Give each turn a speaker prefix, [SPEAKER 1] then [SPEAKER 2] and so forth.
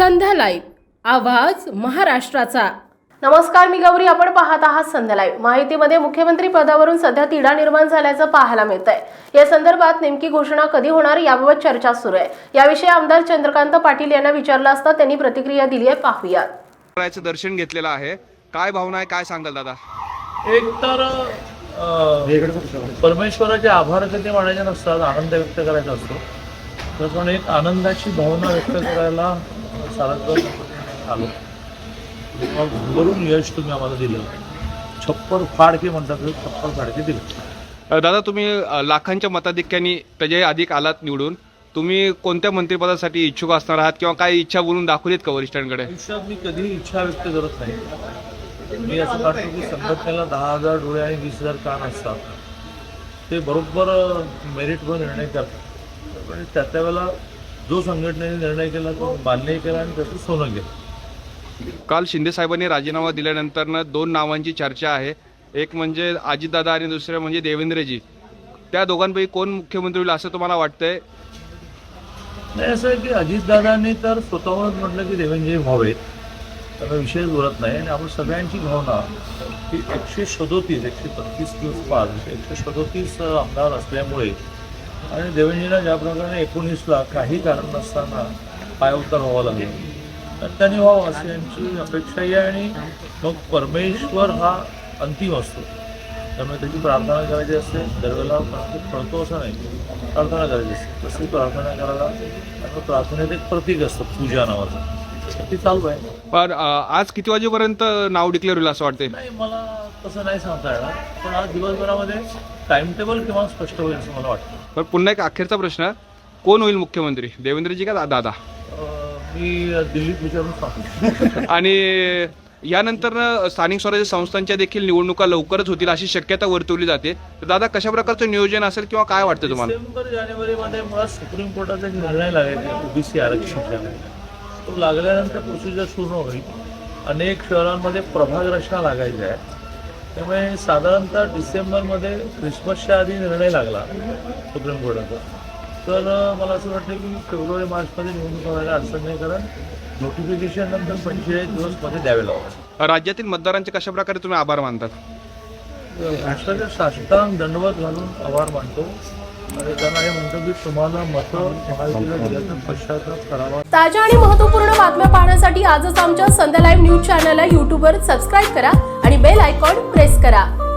[SPEAKER 1] संध्या live, आवाज महाराष्ट्राचा।
[SPEAKER 2] नमस्कार, मी गौरी. आपण पाहत आहात संध्या लाईव्ह. माहितीमध्ये मुख्यमंत्री पदावरून सध्या तिढा निर्माण झाल्याचं पाहायला मिळत आहे। या संदर्भात नेमकी घोषणा कधी होणार याबाबत चर्चा सुरू आहे। याविषयी आमदार चंद्रकांत पाटील यांना विचारलं असता त्यांनी प्रतिक्रिया दिली आहे, पाहूयात।
[SPEAKER 3] रायाचं दर्शन घेतलेलं आहे, काय भावना आहे, काय सांगाल दादा?
[SPEAKER 4] एक तर परमेश्वराचे आभार कधी मानायचे नसतात, आनंद व्यक्त करायचा असतो। त्याप्रमाणे एक आनंदाची भावना व्यक्त करायला सारंगपूर आलो। भरभरून यश तुम्ही आम्हाला दिलं, छप्पर फाडके म्हणतात, छप्पर फाडके दिले।
[SPEAKER 3] दादा, तुम्ही लाखांच्या मताधिक्याने त्याच्या अधिक आलात निवडून, तुम्ही कोणत्या मंत्रिपदासाठी इच्छुक असणार आहात किंवा काय इच्छा बोलून दाखवलीत का वरिष्ठांकडे?
[SPEAKER 4] आयुष्यात मी कधीही इच्छा व्यक्त करत नाही। मी असं वाटतं की संघटनेला 10,000 डोळे आणि 20,000 कान असतात, ते बरोबर मेरिटवर निर्णय करतात। पण त्या वेळेला जो संघटनेने निर्णय केला तो मान्य केला आणि त्याचं सोनं गेलं।
[SPEAKER 3] काल शिंदे साहेबांनी राजीनामा दिल्यानंतर दोन नावांची चर्चा आहे, एक म्हणजे अजितदादा आणि दुसरे म्हणजे देवेंद्रजी। त्या दोघांपैकी कोण मुख्यमंत्री होईल असं तुम्हाला वाटतंय?
[SPEAKER 4] नाही, असं आहे की अजितदादांनी तर स्वतःहूनच म्हटलं की देवेंद्रजी व्हावेत, त्याचा विषय बोलत नाही। आणि आपण सगळ्यांची भावना की 137 135 दिवस पार 137 आमदार असल्यामुळे आणि देवेंद्रजींना ज्या प्रकारे 19ला काही कारण नसताना पायउतार व्हावं लागलं, तर त्यांनी व्हावं अशी यांची अपेक्षाही आहे। आणि मग परमेश्वर हा अंतिम असतो, त्यामुळे त्याची प्रार्थना करायची असते। दरवेळेला कळतो असं नाही, प्रार्थना करायची असते, तशी प्रार्थना करायला आणि प्रार्थनेत एक प्रतीक असतं पूजा नावाचं, ती चालू आहे।
[SPEAKER 3] पण आज किती वाजेपर्यंत नाव डिक्लेअर होईल असं वाटतंय?
[SPEAKER 4] नाही, मला तसं नाही सांगता येणार, पण आज दिवसभरामध्ये टाइम टेबल किंवा स्पष्ट होईल असं मला वाटतं।
[SPEAKER 3] पण पुन्हा एक अखेरचा प्रश्न, कोण होईल मुख्यमंत्री, देवेंद्रजी का दादा?
[SPEAKER 4] मी दिल्लीत विचारून सांगतो।
[SPEAKER 3] आणि यानंतर स्थानिक स्वराज्य संस्थांच्या देखील निवडणुका लवकरच होतील अशी शक्यता वर्तवली जाते, तर दादा कशा प्रकारचं नियोजन असेल किंवा काय वाटतं तुम्हाला?
[SPEAKER 4] डिसेंबर जानेवारीमध्ये मला सुप्रीम कोर्टाचा एक निर्णय लागेल ओबीसी आरक्षणाचा, तो लागल्यानंतर प्रोसिजर सुरू होईल। अनेक शहरांमध्ये प्रभाग रचना लागायची आहे, त्यामुळे साधारणतः डिसेंबरमध्ये क्रिसमसच्या आधी निर्णय लागला सुप्रीम कोर्टाचा, तर मला असं वाटतं की फेब्रुवारी मार्चमध्ये निवडणूक व्हायला अडचण नाही, कारण नोटिफिकेशन नंतर 45 दिवसमध्ये द्यावे लागतात।
[SPEAKER 3] राज्यातील मतदारांचे कशा प्रकारे तुम्ही आभार मानतात?
[SPEAKER 4] राष्ट्राच्या साष्टांग दंडवत घालून आभार मानतो आणि त्यांना हे म्हणतो की तुम्हाला मतं महायुतीला दिल्याचं पश्चाताप करावा।
[SPEAKER 2] ताज्या आणि महत्त्वपूर्ण बातम्या पाहण्यासाठी आजच आमच्या संध्या लाईव्ह न्यूज चॅनलला YouTubeवर सबस्क्राईब करा आणि बेल आयकॉन प्रेस करा।